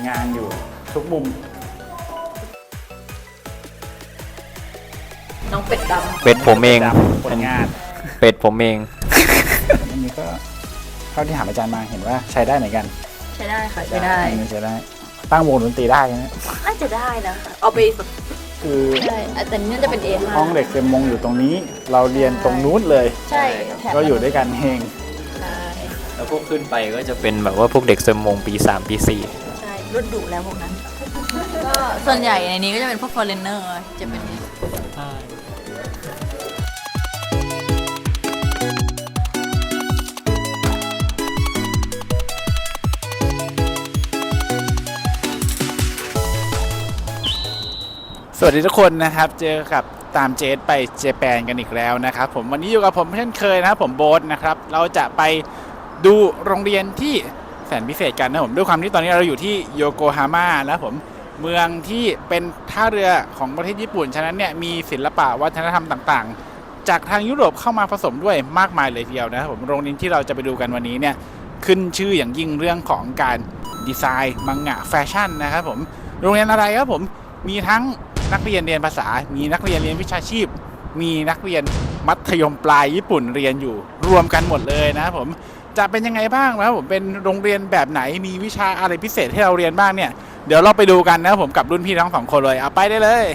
งานอยู่ทุกมุมน้องเป็ดดำเป็ดผมเองผลงานเป็ดผมเองอันนี้ก็เท่าที่ถามอาจารย์มาเห็นว่าใช้ได้เหมือนกันใช้ได้ค่ะใช้ได้อันนี้ใช้ได้ตั้งวงดนตรีได้นะน่าจะได้นะคะเอาไปแบบคือใช่แต่นี่น่าจะเป็น A5 ห้องเด็กเซมมงอยู่ตรงนี้ เราเรียนตรงนู้นเลยใช่แถบก็อยู่ด้วยกันเองใช่แล้วพวกขึ้นไปก็จะเป็นแบบว่าพวกเด็กเซมมงปี 3 ปี 4 ใช่รุ่นดุแล้วพวกนั้น ก็ส่วนใหญ่ในนี้ก็จะเป็นพวก foreigner จะเป็นสวัสดีทุกคนนะครับเจอกับตามเจสไปเจแปนกันอีกแล้วนะครับผมวันนี้อยู่กับผมเช่นเคยนะครับผมโบ๊ทนะครับเราจะไปดูโรงเรียนที่แสนพิเศษกันนะผมด้วยความที่ตอนนี้เราอยู่ที่โยโกฮาม่านะผมเมืองที่เป็นท่าเรือของประเทศญี่ปุ่นฉะนั้นเนี่ยมีศิลปะวัฒนธรรมต่างๆจากทางยุโรปเข้ามาผสมด้วยมากมายเลยทีเดียวนะครับผมโรงเรียนที่เราจะไปดูกันวันนี้เนี่ยขึ้นชื่ออย่างยิ่งเรื่องของการดีไซน์มังงะแฟชั่นนะครับผมโรงเรียนอะไรครับผมมีทั้งนักเรียนเรียนภาษามีนักเรียนเรียนวิชาชีพมีนักเรียนมัธยมปลายญี่ปุ่นเรียนอยู่รวมกันหมดเลยนะครับผมจะเป็นยังไงบ้างนะครับผมเป็นโรงเรียนแบบไหนมีวิชาอะไรพิเศษให้เราเรียนบ้างเนี่ยเดี๋ยวเราไปดูกันนะครับผมกับรุ่นพี่ทั้งสองคนเลยเอาไปได้เลย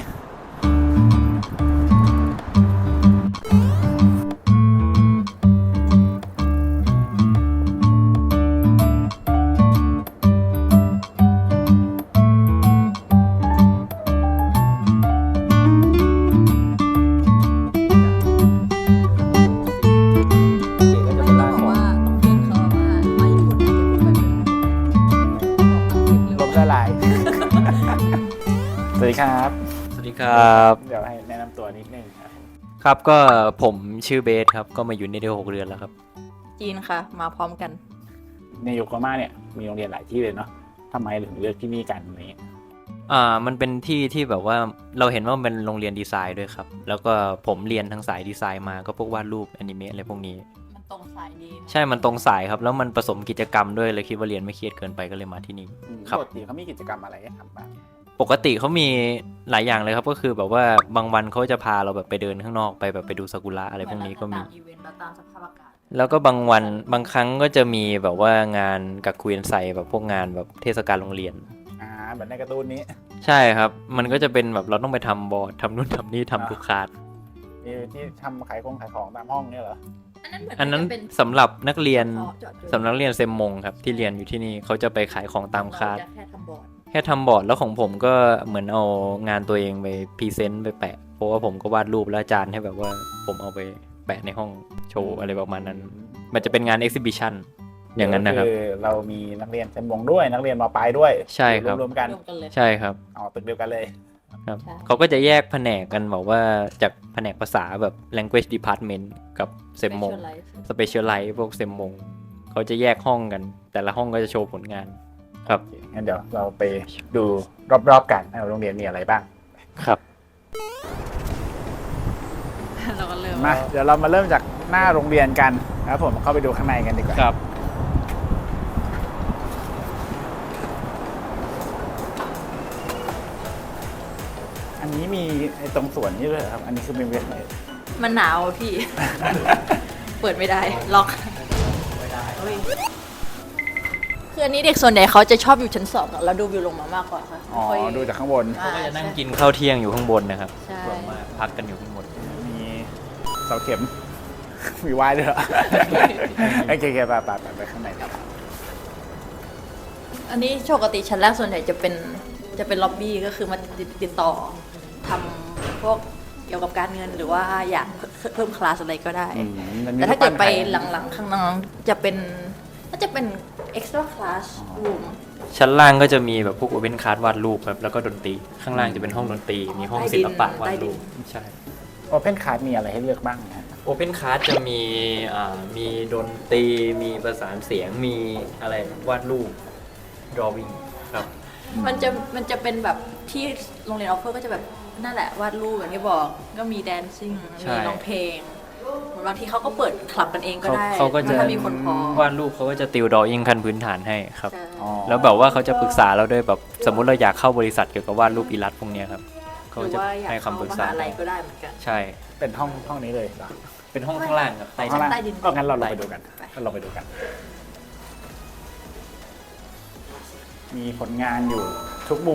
สวัสดีครับสวัสดีครับเดี๋ยวให้แนะนำตัวนิดนึงครับครับก็ผมชื่อเบสครับก็มาอยู่ในได้6 เดือนแล้วครับจีนค่ะ มาพร้อมกันในโยโกฮาม่าเนี่ยมีโรงเรียนหลายที่เลยเนาะทำไมถึงเลือกที่นี่กันนี้มันเป็นที่ที่แบบว่าเราเห็นว่ามันเป็นโรงเรียนดีไซน์ด้วยครับแล้วก็ผมเรียนทางสายดีไซน์มาก็พวกวาดรูปแอนิเมะอะไรพวกนี้มันตรงสายดีใช่มันตรงสายครับแล้วมันผสมกิจกรรมด้วยเลยคิดว่าเรียนไม่เครียดเกินไปก็เลยมาที่นี่ครับปกติเขามีกิจกรรมอะไรให้ทำบ้างปกติเขามีหลายอย่างเลยครับก็คือแบบว่าบางวันเขาจะพาเราแบบไปเดินข้างนอกไปแบบไปดูซากุระอะไรพวกนี้ก็มีตามอีเวนต์แล้วตามสภาพอากาศแล้วก็บางวันบางครั้งก็จะมีแบบว่างานกับคุยนไซแบบพวกงานแบบเทศกาลโรงเรียนแบบในการ์ตูนนี้ใช่ครับมันก็จะเป็นแบบเราต้องไปทำบอร์ดทำนู่นทำนี่ทำทุกคลาสมีที่ทำขายของตามห้องเนี่ยเหรออันนั้นสำหรับนักเรียนสำหรับนักเรียนเซมมงครับที่เรียนอยู่ที่นี่เขาจะไปขายของตามคลาสแค่ทำบอร์ดแค่ทำบอร์ดแล้วของผมก็เหมือนเอางานตัวเองไปพรีเซนต์ไปแปะเพราะว่าผมก็วาดรูปแล้วอาจารย์ให้แบบว่าผมเอาไปแปะในห้องโชว์อะไรประมาณนั้นมันจะเป็นงานเอ็กซิบิชันอย่างนั้นนะครับคือเรามีนักเรียนเซมมงด้วยนักเรียนม.ปลายด้วยใช่ครับรวมกันใช่ครับตึกเดียวกันเลยครับเขาก็จะแยกแผนกกันบอกว่าจากแผนกภาษาแบบ language department กับเซมมง specialize พวกเซมมงเขาจะแยกห้องกันแต่ละห้องก็จะโชว์ผลงานครับงั้นเดี๋ยวเราไปดูรอบๆกันโรงเรียนมีอะไรบ้างครับเราก็เริ่มมาเดี๋ยวเรามาเริ่มจากหน้าโรงเรียนกันนะครับผมเข้าไปดูข้างในกันดีกว่าครับอันนี้มีตรงสวนนี่ด้วยครับอันนี้คือเป็นเวทไหนมันหนาวพี่ เปิดไม่ได้ล็อกคืออันนี้เด็กส่วนใหญ่เขาจะชอบอยู่ชั้น2อะแล้วดูวิวลงมามากกว่าค่ะอ๋อดูจากข้างบนเขาก็จะนั่งกินข้าวเที่ยงอยู่ข้างบนนะครับใช่ส่วนมากพักกันอยู่ข้างบนมีเสาเข็ม มีว่ายด้วยเหรอ โอเคไปข้างในครับอันนี้ปกติชั้นแรกส่วนใหญ่จะเป็นล็อบบี้ก็คือมาติดต่อทำพวกเกี่ยวกับการเงินหรือว่าอยากเพิ่มคลาสอะไรก็ได้ แต่ถ้าเกิดไปหลังๆข้างน้องจะเป็นน่าจะเป็น extra class room ชั้นล่างก็จะมีแบบพวก open class วาดรูปครับแล้วก็ดนตรีข้างล่างจะเป็นห้องดนตรีมีห้องศิลปะวาดรูปใช่โอเพนคาร์ดมีอะไรให้เลือกบ้างนะฮะ Open Class จะมีดนตรีมีประสานเสียงมีอะไรวาดรูป drawing ครับมันจะเป็นแบบที่โรงเรียนออฟเฟอร์ก็จะแบบนั่นแหละวาดรูปอย่างที่บอกก็มี dancing ใช่มีร้องเพลงเหมือนบางทีเขาก็เปิดคลับกันเองก็ได้เขาก็จะถ้ามีคนพอวาดรูปเขาก็จะติวดออิ่งขั้นพื้นฐานให้ครับใช่อ๋อแล้วแบบว่าเขาจะปรึกษาเราด้วยแบบสมมุติเราอยากเข้าบริษัทเกี่ยวกับวาดรูปอิลัสพวกเนี้ยครับหเขารือจะว่าอยากให้เข้าคำปรึกมษาหาลัยก็ได้เหมือนกันใช่เป็นห้องนี้เลยเหรอเป็นห้องข้างล่างครับใต้ข้างล่างใต้ดินงั้นเราลงไปดูกันไปเราลงไปดูกัน มีผลงานอยู่ทุกมุม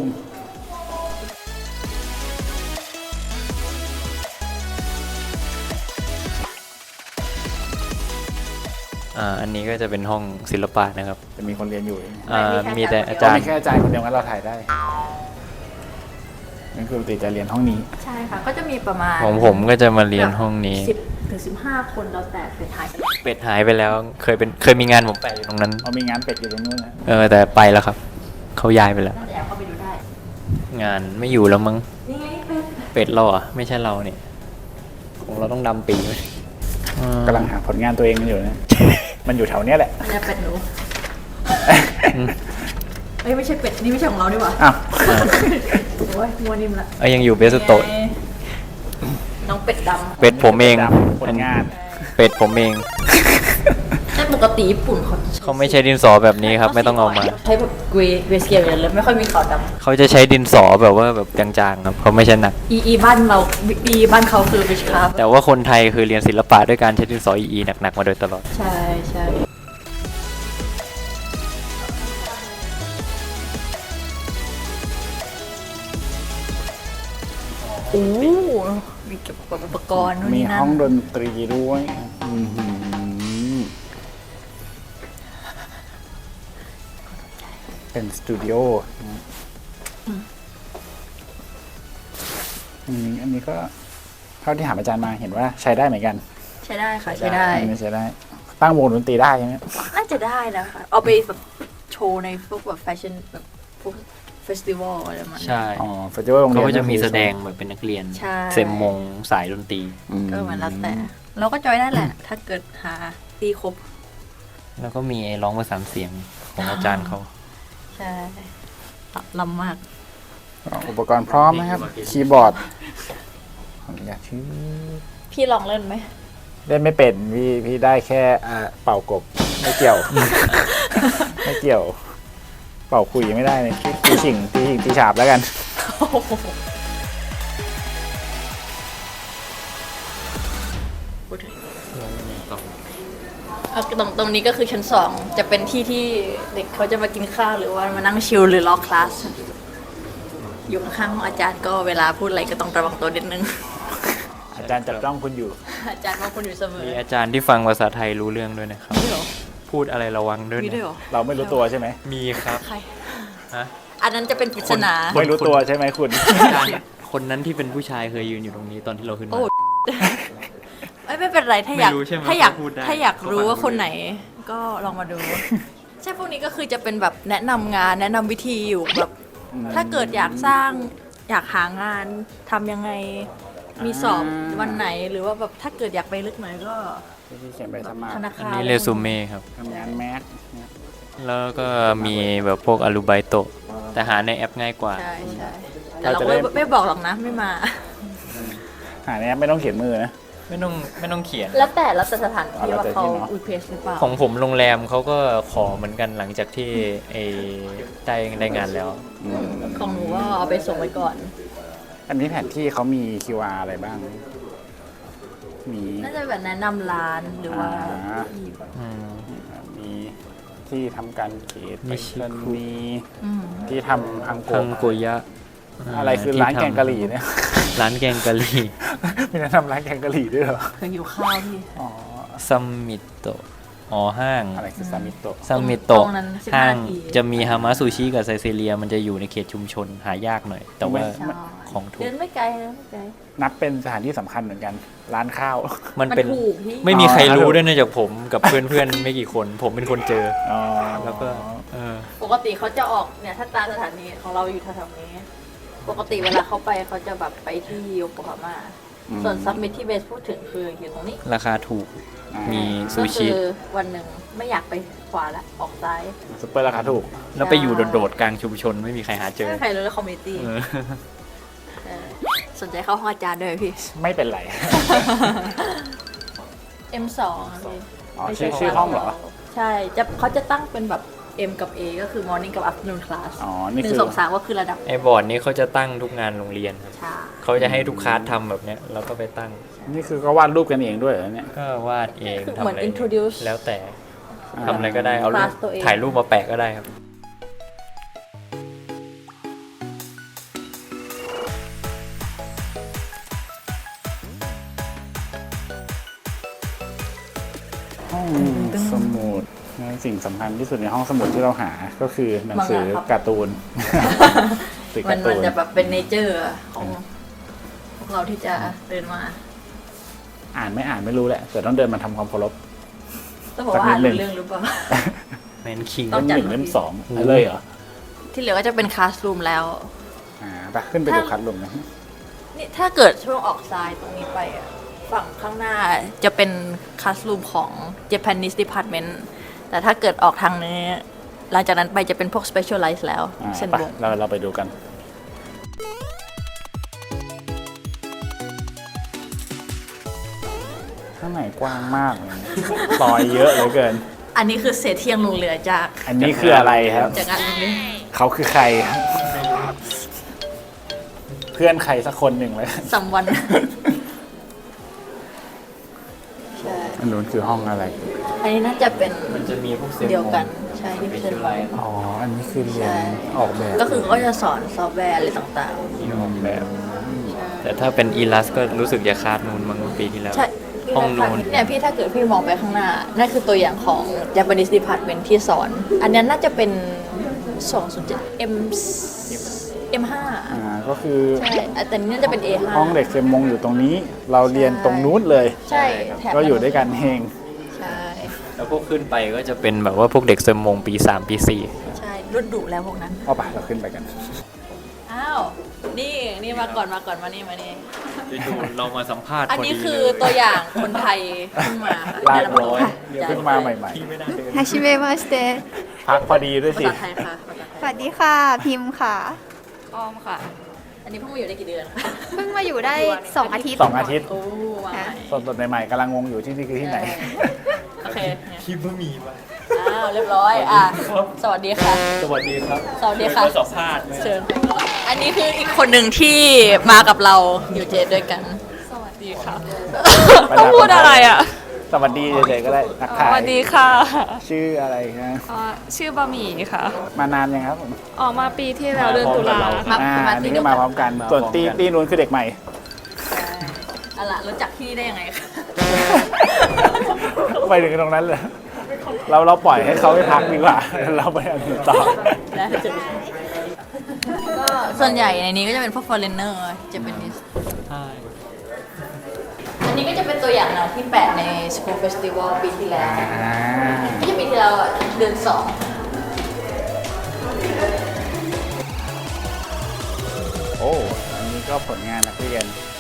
อันนี้ก็จะเป็นห้องศิลปะนะครับจะมีคนเรียนอยู่มีแต่อาก็จารมีย์แค่อาจารย์คนเดียวงั้นเราถ่ายได้นั่นคือปกติจะเรียนห้องนี้ใช่ค่ะก็จะมีประมาณของผมก็จะมาเรียนห้องนี้ 10 ถึง 15 คนแล้วแต่เป็นไทยเป็ดหายไปแล้วเคยมีงานผมไปอยู่ตรงนั้นเอามีงานเป็ดอยู่ตรงนู้นนะแต่ไปแล้วครับเขาย้ายไปแล้วน่าจะแอบเข้าไปดูได้งานไม่อยู่แล้วมั้งนี่ไงเป็นเป็ดเราอ่ะไม่ใช่เราเนี่ยของเราต้องดำปีไหมกำลังหาผลงานตัวเองกันอยู่นะ มันอยู่แถวเนี้ยแหละมันจะเป็ดหนูเอ้ยไม่ใช่เป็ดนี่ไม่ใช่ของเราดีกว่าอ้าวโอ้ยมัวนิ่มละยังอยู่เบสโตะไงน้องเป็ดดำเป็ดผมเองผลงานเป็ดผมเองแต่ปกติญี่ปุ่นเขาเขาไม่ใช้ดินสอแบบนี้ครับ ไม่ต้องเอามาใช้แบบเกรสเกลเลยไม่ค่อยมีขาวดำเขาจะใช้ดินสอแบบว่าแบบจางๆครับเขาไม่ใช่หนักอีบ้านเราอีบ้านเขาคือวิชคราฟแต่ว่าคนไทยคือเรียนศิลปะด้วยการใช้ดินสออีหนักๆมาโดยตลอดใช่ใช่โอ้มีเก็บอุปกรณ์นู่นมีนี่นั่ห้องนดนตรีด้วยอื้อหือเป็นสตูดิโออันนี้ก็เท่าที่ถามอาจารย์มาเห็นว่าใช้ได้เหมือนกันใช้ได้ค่ะใช้ได้อันนี้ใช้ได้ ตั้งวงดนตรีได้ใช่ไหมน่าจะได้นะคะเอาไปแบบโชว์ในพวกแบบแฟชั่นแบบพวกเฟสติวัลอะไรประมาณนั้นใช่อ๋อเฟสติวัลโรงเรีเขายนก็จะมีแสดงแบบเป็นนักเรียนใช่เซมมงสายดนตรีก็เหมือนแล้วแต่ เราก็จอยได้แหละ ถ้าเกิดหาตีครบแล้วก็มีไอ้ร้องประสานเสียงของอาจารย์เขาใช่ลำมากอุปกรณ์พร้อมนะครับ คีย์บอร์ดขออนุญาตชื่อพี่ลองเล่นไหมเล่นไม่เป็นพี่ได้แค่เป่ากบไม่เกี่ยว ไม่เกี่ยว เป่าคุยไม่ได้เลยตีฉิงตีฉาบแล้วกันตรงนี้ก็คือชั้น 2 จะเป็นที่ที่เด็กเขาจะมากินข้าวหรือว่ามานั่งชิลหรือรอคลาส อยู่ข้างๆห้องอาจารย์ก็เวลาพูดอะไรก็ต้องระวังตัวนิดนึงอาจารย์จับจ้องคุณอยู่อาจารย์มองคุณอยู่เสมอมีอาจารย์ที่ฟังภาษาไทยรู้เรื่องด้วยนะครับมีด้วยเหรอพูดอะไรระวังด้วยมีด้วยนะเหรอเราไม่รู้ตัวใช่ไหมมีครับใครฮะอันนั้นจะเป็นปริศนาไม่รู้ตัวใช่ไหมคุณอาจารย์คนนั้นที่เป็นผู้ชายเคยยืนอยู่ตรงนี้ตอนที่เราขึ้นโอ้มาไม่เป็นไรถ้าอยากไม่รู้ใช่ไหมถ้าอยากเขาพูดได้ถ้าอยากรู้ว่าเขาฟังคนไหนก็ลองมาดู ใช่พวกนี้ก็คือจะเป็นแบบแนะนำงานแนะนำวิธีอยู่แบบ ถ้าเกิดอยากสร้างอยากหางานทำยังไงมีสอบวันไหนหรือว่าแบบถ้าเกิดอยากไปลึกหน่อยก็ที่เขียนไปสมัครธนาอันคารนี้เรซูเม่ครับทำงานแมสแล้วก็มีแบบพวกอารูไบโตะแต่หาในแอปง่ายกว่าใช่ใช่แต่เราไม่บอกหรอกนะไม่มาหาในแอปไม่ต้องเขียนมือนะไม่ต้องเขียนแล้วแต่สถานที่แล้วว่าแต่เขาที่เนอะอุเพสหรือเปล่าของผมโรงแรมเขาก็ขอเหมือนกันหลังจากที่ได้งานแล้วของหนูก็เอาไปส่งไว้ก่อนอันนี้แผนที่เขามี QR อะไรบ้าง มีน่าจะแบบแนะนำร้านหรือว่ามีที่ทำการเขตนิชิคุมีที่ทำอังโกคังโกยะอะไรคือร้านแกงกะหรี่เนี่ยร้านแกงกะหรี่มีแนะนำร้านแกงกะหรี่ด้วยเหรอเคยอยู่ข้าวที่อ๋อซัมมิโตะห้างอะไรคือซามิโตะซัมมิโตะตรงนั้น15 ห้างนาทีจะมีฮามาซูชิกับไซเซเรียมันจะอยู่ในเขตชุมชนหายากหน่อย แต่ว่าใช่ของถูเดิกนไม่ไกลนะไม่ไกลนับเป็นสถานที่สำคัญเหมือนกัน ร้านข้าวมันเป็นถูกพี่ไม่มีใครอ๋อรู้ด้วยนอกจากผมกับเพื่อนๆ ไม่กี่คน ผมเป็นคนเจออ๋อแล้วก็ปกติเขาจะออกเนี่ยถ้าตามสถานีของเราอยู่แถวๆนี้ ปกติเวลาเขาไปเขาจะแบบไปที่โยโกฮาม่าส่วนซัมมิทที่เบสพูดถึงคืออยู่ตรงนี้ราคาถูก มีซูก็ชิคือวันหนึ่งไม่อยากไปขวาละออกซ้ายซุปเปอร์ราคาถูกแล้วไปอยู่โดดๆกลางชุมชนไม่มีใครหาเจอไม่มีใครรู้เลยคอมมิตี้เออสนใจเข้าห้องอาจารย์ด้วยไหมพี่ไม่เป็นไร M2 อะพี่อ๋อไม่ใช่ชื่อห้องเหรอใช่เขาจะตั้งเป็นแบบ M กับ A ก็คือ morning กับ afternoon class อ๋อนี่หนึ่คืงอสองสามก็คือระดับไอ้บอร์ดนี้เขาจะตั้งทุกงานโรงเรียนครับชาเขาจะให้ทุกคลาสทำแบบเนี้ยแล้วก็ไปตั้งนี่คือก็วาดรูปกันเองด้วยเหรอเนี่ยก็วาดเองคือทำเหมือนอะไร introduce แล้วแต่ทำอะไรก็ได้เอารูปคลาสตัวเองถ่ายรูปมาแปะก็ได้ครับห้องสมุดสิ่งสำคัญที่สุดในห้องสมุดที่เราหาก็คือหนังสือการ์ตูน สื่อมักาน ร์ตูนจะแบบเป็นเนเจอร์ของพวกเราที่จะเดินมาอ่านไม่อ่านไม่รู้แหละแต่ต้องเดินมาทำความเคารพต้องบอกว่าอ่านสักนิดหนึ่งรู้เรื่องหรือเปล่าแมนคิงต้เล่องมจัดหนึ่งเล่มสองเลยเหรอที่เหลือก็จะเป็นคลาสรูมแล้วไปขึ้นไปดูคัดลมนะนี่ถ้าเกิดช่วงออกซ้ายตรงนี้ไปอะฝั่งข้างหน้าจะเป็นคลาสรูมของ Japanese Department แต่ถ้าเกิดออกทางนี้ หลังจากนั้นไปจะเป็นพวก Specialize แล้วเส้นไปวงเราไปดูกัน ข้างในกว้างมากเลยซอยเยอะเหลือเกินอันนี้คือเศษเที่ยงลงเหลือจากอันนี้คืออะไรครับจากงานนี้เขาคือใครครับเพื่อนใครสักคนหนึ่งเลยสัมวันอันนู้นคือห้องอะไรอันนี้น่าจะเป็นมันจะมีพวกเซลเดียวกัน ใช่ที่เป็นเป็นไรอ๋อ อันนี้คือเรียนใช่ออกแบบก็คือเขาก็จะสอนซอฟต์แวร์อะไรต่างที่ออกแบบๆแต่ถ้าเป็นอีลัสก็รู้สึกจะคาดนูนมั้งปีที่แล้วใช่ห้องนู้นเนี่ยพี่ถ้าเกิดพี่มองไปข้างหน้า นั่นคือตัวอย่างของ Japanese Department ที่สอน อันนี้น่าจะเป็น 207 M5 ก็คือใช่แต่นี้น่าจะเป็น A5 ห้องเด็กเซมมงอยู่ตรงนี้ เราเรียนตรงนู้นเลยใช่แถบก็อยู่ด้วยกันเองใช่แล้วพวกขึ้นไปก็จะเป็นแบบว่าพวกเด็กเซมมงปี 3 ปี 4 ใช่รุ่นดุแล้วพวกนั้นเอาไปเราขึ้นไปกันอ้าว นี่มาก่อนมานี่จู่ๆเรามาสัมภาษณ์อันนี้พดีคือเลยตัวอย่างคนไทยขึ้นมาค่ะลากเดี๋ยวเราร้อยมาเดี๋ยวเพิ่งมาใหม่はじめまして。 ๆ พักพอดีด้วยภาสิษาไทยค่ะภาษาสไทยวัสดีค่ะ พิมพ์ค่ะอ้อมค่ะ อันนี้เพิ่งมาอยู่ได้กี่เดือนเพิ่งมาอยู่ได้ 2 อาทิตย์ 2 อาทิตย์โอ้มาใหม่สดๆใหม่ๆกำลังงงอยู่ที่นี่คือที่ไหนโอเคคิดว่ามีป่ะอ้าวเรียบร้อยสวัสดีค่ะสวัสดีครับสวัสดีค่ะมาสัมภาษณ์ไหมเชิญ อันนี้คืออีกคนหนึ่งที่มากับเราอยู่เจดด้วยกันสวัสดีค่ะต้องพูดอะไรอ่ะสวัสดีเฉยๆก็ได้ทักสทายวัสดีค่ะชื่ออะไรนะชื่อบะหมี่ค่ะมานานยังครับผมออกมาปีที่แล้วเดือนตุลามาอันนี้ก็มาพร้อมกัน ส่วนตีนู้นคือเด็กใหม่เอาล่ะรู้จักที่นี่ได้ยังไงคะไปถึงตรงนั้นเลยเราปล่อยให้เขาไปพักดีกว่า เราไปอันอื่นต่อก็ส่วนใหญ่ในนี้ก็จะเป็นพวก foreigner Japanese ใช่อันนี้ก็จะเป็นตัวอย่างหนังที่แปะใน School Festival ปีที่แล้วไม่ใช่ปีที่แล้วอะเดือน2 โอ้อันนี้ก็ผลงานนักเรียน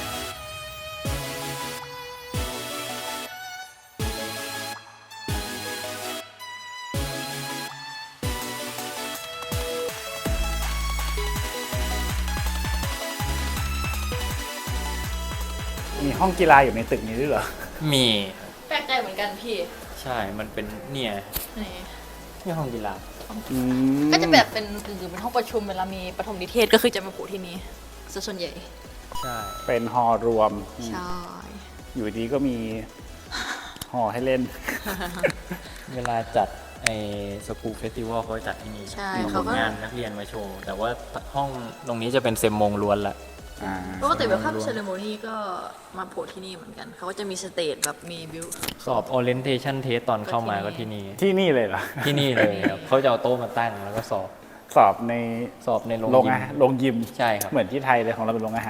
มีห้องกีฬาอยู่ในตึกนี้ด้วยเหรอมีแปลกใจเหมือนกันพี่ใช่มันเป็นเนี่ยนี่นี่ห้องกีฬาก็จะแบบเป็นเป็นห้องประชุมเวลามีปฐมนิเทศก็คือจะมาโผล่ที่นี่ซะส่วนใหญ่ใช่เป็นฮอลล์รวมใช่อยู่ดีก็มีหอให้เล่นเวลาจัดไอ้สกูเฟสติวัลเขาจัดที่นี่ใช่มีเขาผลก็งานนักเรียนมาโชว์ แต่ว่าห้องตรงนี้จะเป็นเซมมงล้วนละปกติเวลคัมเซเลโมนี่ก็มาโผล่ที่นี่เหมือนกัน เขาก็จะมีสเตจแบบมีบิวสอบ orientation test ตอนเข้ามาก็ที่นี่ที่นี่เลยเหรอที่นี่เลยครับเขาจะเอาโต๊ะมาตั้งแล้วก็สอบสอบในสอบในโรงโรงยิมอาหารโรงยิมใช่ครับเหมือนที่ไทยเลยของเราเป็นโรงอาหาร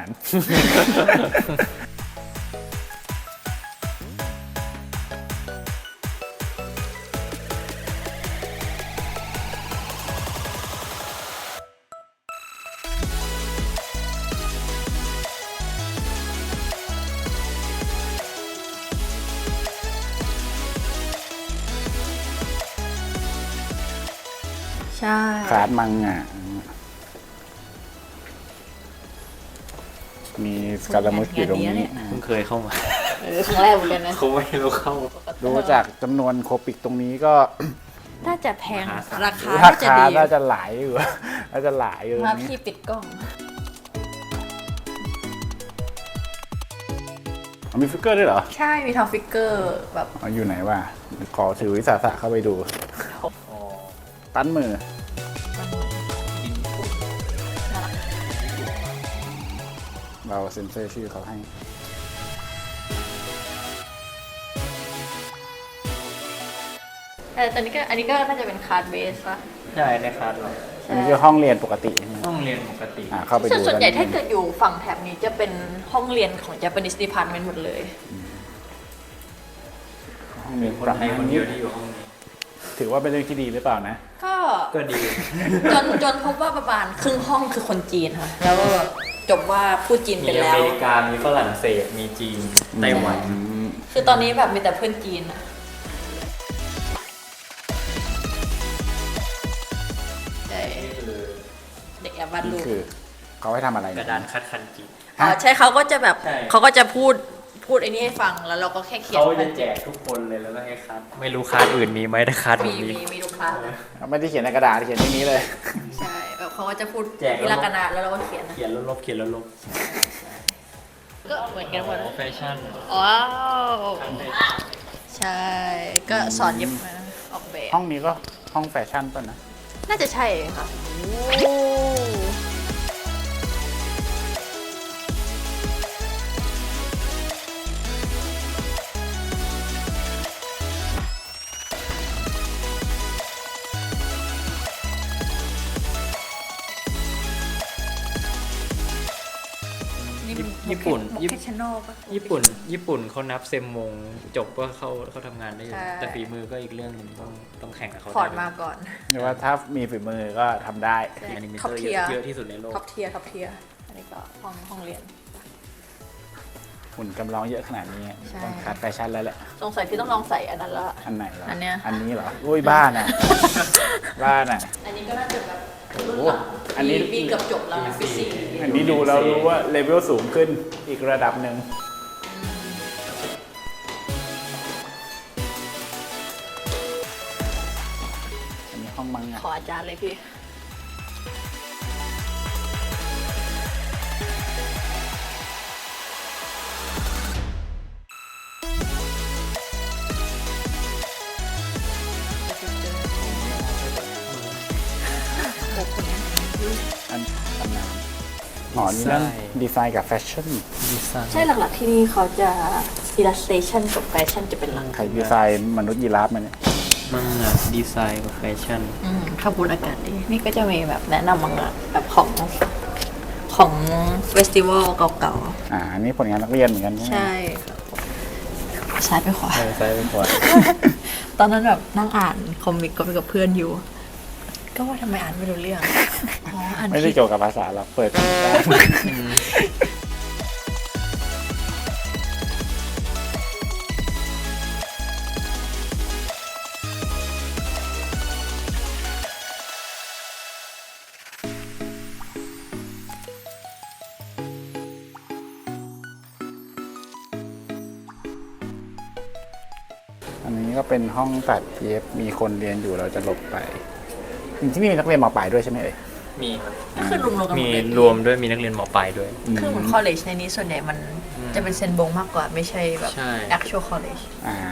ใช่คลาสมังงะมีสการามุสอยู่ตรงนี้เพิ่งเคยเข้ามาครั้งแรกเหมือนกันนะเขาไม่รู้เข้าดูจากจำนวนโคปิกตรงนี้ก็น่าจะแพงมหาศาลราคาราน่าจะคาดีน่าจะหลายอยู่ น่าจะหลายอยู่มานี่พี่ปิดกล้องมีฟิกเกอร์ด้วยเหรอใช่ มีทำฟิกเกอร์แบบเอาอยู่ไหนวะขอถือวิสาสะเข้าไปดู ตั้นมือ เราเซ็นเซอร์ชื่อเขาให้แต่ตอนนี้ก็อันนี้ก็น่าจะเป็นคาร์ดเบสป่ะใช่ในคลาสเราอันนี้คือห้องเรียนปกติใช่ไหมต้องเรียนปกติเข้าไปดูส่วนใหญ่กัถ้าเกิดอยู่ฝั่งแถบนี้จะเป็นห้องเรียนของ Japanese Department หมดเลยห้องเรียนคนไทยคนเดียวที่อยู่ห้องนี้ถือว่าเป็นเรื่องที่ดีหรือเปล่านะก็ก็ดีจนพบว่าประมาณครึ่งห้องคือคนจีนค่ะ แล้วก็จบว่าพูดจีนมีเป็นอแล้วเมริกา มีฝรั่งเศส มีจีน ไต้หวันคือตอนนี้แบบมีแต่เพื่อนจีนอะใช่เด็กแอบวาดรูนี่ปคือเขาให้ทำอะไรกระดานคัดคันจีนอ๋อใช่เขาก็จะแบบใช่เขาก็จะพูดไอ้นี่ให้ฟังแล้วเราก็แค่เขียนเขาจะแจกทุกคนเลยแล้วก็ให้คัด ไม่รู้คัดอื่นมีไหมถ้าคัดมีมีมีทุกคลาสเลยไม่ได้เขียนในกระดาษเขียนที่นี้เลยใช่แบบเขาก็จะพูดแจกทีละกระดาษแล้วเราก็เขียนนะเขียนแล้วลบเขียนแล้วลบก็เหมือนกันหมดแฟชั่นว้าวใช่ ก็สอนเย็บมาออกแบบห้องนี้ก็ห้องแฟชั่นป่ะนะน่าจะใช่ค่ะนี่มันญี่ปุ่นโมเคชแนลปะญี่ปุ่นเขานับเซมมงจบว่าเขาทำงานได้อยู่ใช่แต่ฝีมือก็อีกเรื่องหนึงต้องแข่งกับเขาพอร์ตมาก่อนหรือว่าถ้ามีฝีมือก็ทำได้แอนิเมท็อปเตอร์เทียร์เยอะที่สุดในโลกท็อปเทียร์อันนี้ก็ห้องเรียนหุ่นกำลองเยอะขนาดนี้ใช่ต้องคัดแฟชั่นแล้วแหละสงสัยพี่ต้องลองใส่อันนั้นละอันไหนเหรออัอันเนี้ยอันนี้เหรออุ้ยบ้านอ่ะ บ้านอ่ะอันนี้ก็น่าจะแบบโอ้โหรุ่นหลังอันนี้ปีเกือบจบแล้วนะปีสี่อันนี้ดูแล้วรู้ว่าเลเวลสูงขึ้นอีกระดับหนึ่งอันนี้ห้องมังงะขออาจารย์เลยพี่อันตำนานอ๋อนี่นั่นดีไซน์กับแฟชั่นดีไซน์ใช่หลักๆที่นี่เขาจะ illustration กับแฟชั่นจะเป็นหลักใครดีไซน์มนุษย์ยีราฟมาเนี่ยมังงะดีไซน์กับแฟชั่นขบวนอากาศดี นี่ก็จะมีแบบแนะนำมังงะแบบของเฟสติวัลเก่าอันนี้ผลงานนักเรียนเหมือนกันๆใช่ไหมใช่ครับซ้ายไปขวาใช่เป็นขวดตอนนั้นแบบนั่งอ่านคอมิกก็ไปกับเพื่อนอยู่ ก็ว่าทำไมอ่านไม่รู้เรื่อง อ๋อ อ่านไม่ได้ผิดเกี่ยวกับภาษาเราเปิดได้ อันนี้ก็เป็นห้องตัดเย็บมีคนเรียนอยู่เราจะหลบไปที่นี่มีนักเรียนมปลายด้วยใช่ไหมเอ่ยมีครับก็คือรวมๆกันหมมีดเลยรวมด้วยมีนักเรียนมปลายด้วยคือเหมือน college ในนี้ส่วนใหญ่มันจะเป็นเซนบงมากกว่าไม่ใช่แบบใช่ actual college อ่า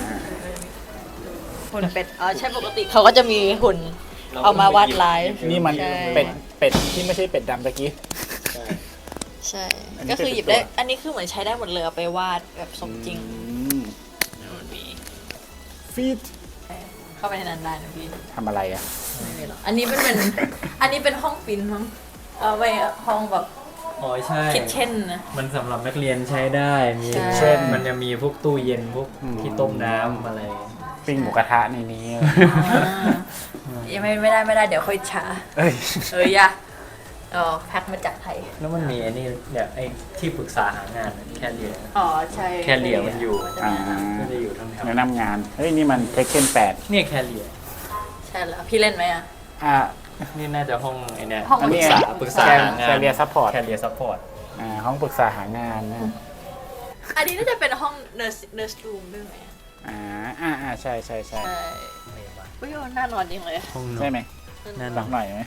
หุ่นเป็ด อ๋อ ใช่ปกติเขาก็จะมีหุ่นเอามาวาดไลฟ์นี่มันใช่เป็ดที่ไม่ใช่เป็ดดำตะกี้ใช่อันนี้ก็คือหยิบเป็นได้ตัวอันนี้คือเหมือนใช้ได้หมดเลยเอาไปวาดแบบสมจริง มันมีฟีดเข้าไปในนั้นได้นะพี่ทำอะไรอ่ะไม่มีหรอกอันนี้เป็น อันนี้เป็นห้องปริ้นมั้งเอาไปห้องแบบอ๋อใช่คิทเช่นนะมันสำหรับนักเรียนใช้ได้ มีใช่เช่นมันจะมีพวกตู้เย็นพวกที่ต้มน้ำอะไรปิ้งหมูกระทะในนี้ยังไม่ได้เดี๋ยวค่อยช้าเอ้ยอย่าแพ็คมาจากไทยแล้วมันมีไอ้นี่เนี่ยไอ้ที่ปรึกษาหางานแค่เรียนอ๋อ ใช่แค่เหลี่ยมมันอยู่อ่าไม่ได้อยู่ทั้งแถวแนะนำงาน เฮ้ย นี่มันเทคเคน8 เนี่ยแค่เรียนใช่แล้ว พี่เล่นไหมอ่ะนี่น่าจะห้องไอ้เนี่ยห้องอันนี้ปรึกษาหางานแคเรียซัพพอร์ตแคเรียซัพพอร์ตห้องปรึกษาหางานนะอันนี้น่าจะเป็นห้อง nurse room ด้วยไหมใช่ใช่ใช่ใช่ผู้ยน่านอนจริงเลยห้องนอใช่นไหมนั่นหลักหน่อยไหม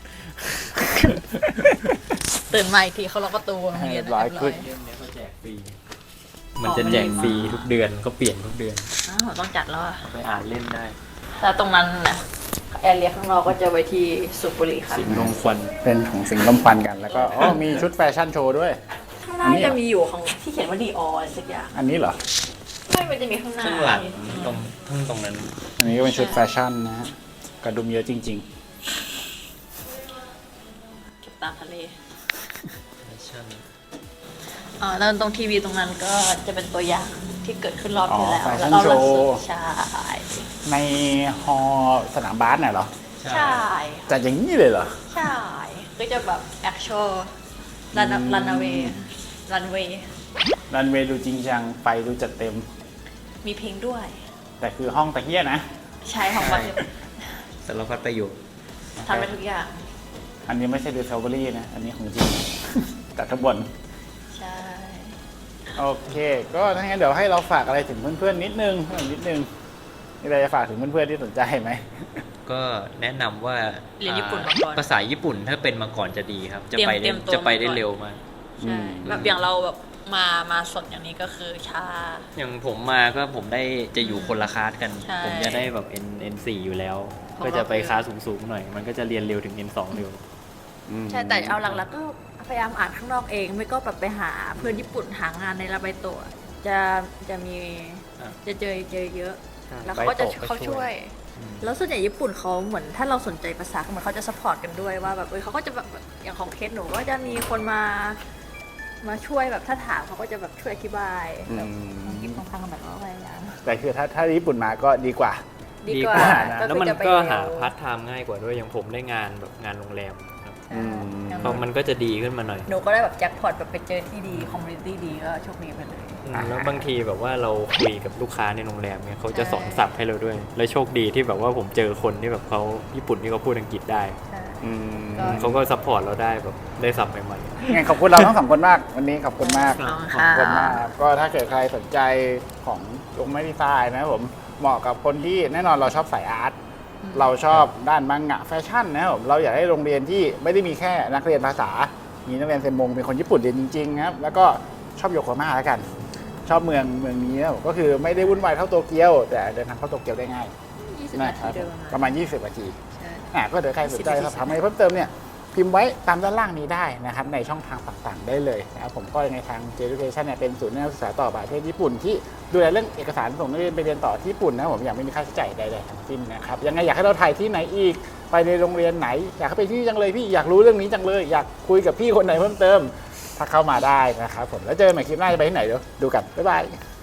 ตื่นมาอีกทีเขาล็อกประตูโรงเรียนร้อยขึ้นมันจะแจกฟรีทุกเดือนก็เปลี่ยนทุกเดือนอ้าวต้องจัดแล้วอะไปอ่านเล่นได้แต่ตรงนั้นนะแอร์เรียข้างนอกก็จะไว้ที่สูบบุหรี่ค่ะสิงลงควันเป็นของสิ่งลมควันกันแล้วก็อ๋อมีชุดแฟชั่นโชว์ด้วยข้างหน้าจะมีอยู่ของที่เขียนว่าดีออสักอย่างอันนี้เหรอไม่มันจะมีข้างหน้าข้างหลังตรงนั้นอันนี้ก็เป็นชุดแฟชั่นนะฮะกระดุมเยอะจริงเก็บตามทะเลแล้วตรงทีวีตรงนั้นก็จะเป็นตัวอย่างที่เกิดขึ้นรอบที่แล้วอ๋อแล้ว Fashion ก็ Show ใช่ๆ ในฮอสนามบาสน่ะเหรอใช่จัดอย่างนี้เลยเหรอใช่ก็จะแบบ actual runway รันเวย์ดูจริงจังไฟดูจัดเต็มมีเพลงด้วยแต่คือห้องตะเกียนะใช่ของบัตรสารพัดประโยชน์ทำไปทุกอย่างอันนี้ไม่ใช่ดูเซลเบอรี่นะ อันนี้ของจริง จัดทั้งบนใช่โอเค ก็ถ้างั้นเดี๋ยวให้เราฝากอะไรถึงเพื่อนๆนิดนึงมีอะไรจะฝากถึงเพื่อนๆที่สนใจไหมก็แนะนำว่าเรียนญี่ปุ่นมาก่อนภาษาญี่ปุ่นถ้าเป็นมาก่อนจะดีครับ จะไปเตรียมตัวจะไปได้มาก่อนเร็วมากใช่แบบอย่างเราแบบมาสดอย่างนี้ก็คือช้าอย่างผมมาก็ผมได้จะอยู่คนละคลาสกันใช่ผมจะได้แบบ N4 อยู่แล้วของเราก็จะไปคลาสสูงๆหน่อย มันก็จะเรียนเร็วถึง N2 เร็วใช่แต่เอาหลักๆก็พยายามอ่านข้างนอกเองไม่ก็แบบไปหาเพื่อนญี่ปุ่นหางานในลาไบโตะจะมีอ่ะจะเจอเยอะใช่แล้วเขาก็จะไบโตะก็เขาช่ช่ววย ย แล้วส่วนใหญ่ญี่ปุ่นเขาเหมือนถ้าเราสนใจภาษาเหมือนเขาจะสปอร์ตกันด้วยว่าแบบเขาก็จะแบบอย่างของเคสหนูก็จะมีคนมาช่วยแบบถ้าถามเขาก็จะแบบช่วยอธิบายแบบกินของทางแบบว่าอะไรอย่างเงี้ยแต่คือถ้าญี่ปุ่นมาก็ดีกว่าดีกว่านะคือแล้วมันจะไปก็เร็วหาพาร์ทไทม์ง่ายกว่าด้วยอย่างผมได้งานแบบงานโรงแรมครับใช่อย่างเพราะมันก็จะดีขึ้นมาหน่อยหนูก็ได้แบบแจ็คพอตแบบไปเจอที่ดีคอมมูนิตี้ดีก็โชคดีไปเลยแล้วบางทีแบบว่าเราคุยกับลูกค้าในโรงแรมเนี่ยเขาจะสอนศัพท์ให้เราด้วย แล้วโชคดีที่แบบว่าผมเจอคนที่แบบเขาญี่ปุ่นที่เขาพูดอังกฤษได้ใช่ ก็เขาก็ซัพพอร์ตเราได้แบบได้ศัพท์ใหม่งั้นขอบคุณเราทั้งสองคนมาก วันนี้ขอบคุณมากขอบคุณค่ะขอบคุณมากครับก็ถ้าเกิดใครสนใจของลงไม้ดีไซน์นะครับผมเหมาะกับคนที่แน่นอนเราชอบสายอาร์ตเราชอบด้านมังงะแฟชั่นนะครับผมเราอยากให้โรงเรียนที่ไม่ได้มีแค่นักเรียนภาษา มีนักเรียนเซนมงเป็นคนญี่ปุ่นเรียนจริงๆนะครับแล้วก็ชอบโยโกฮาม่าแล้วกัน ชอบเมืองนี้นะครับผมก็คือไม่ได้วุ่นวายเท่าโตเกียวแต่เดินทางเข้าโตเกียวได้ง่าย 20 นานะคทีรับเดิมประมาณ 20 นาทีใช่ก็เดี๋ยวใครสนใจ 20 สอบถามอะไรเพิ่มเติมเนี่ยพิมพ์ไว้ตามด้านล่างนี้ได้นะครับในช่องทางต่างๆได้เลยนะครับผมก็ในทาง J-Education เนี่ยเป็นศูนย์นักศึกษาต่อประเทศญี่ปุ่นที่ดูแลเรื่องเอกสารส่งนักเรียนไปเรียนต่อที่ญี่ปุ่นนะครับผมอย่างไม่มีค่าใช้จ่ายใดๆทั้งสิ้นนะครับยังไงอยากให้เราถ่ายที่ไหนอีกไปในโรงเรียนไหน อยากให้ไปที่จังเลยพี่อยากรู้เรื่องนี้จังเลยอยากคุยกับพี่คนไหนเพิ่มเติมถ้าเข้ามาได้นะครับผมแล้วเจอกันใหม่คลิปหน้าจะไปที่ไหนเดี๋ยวดูกันบ๊ายบาย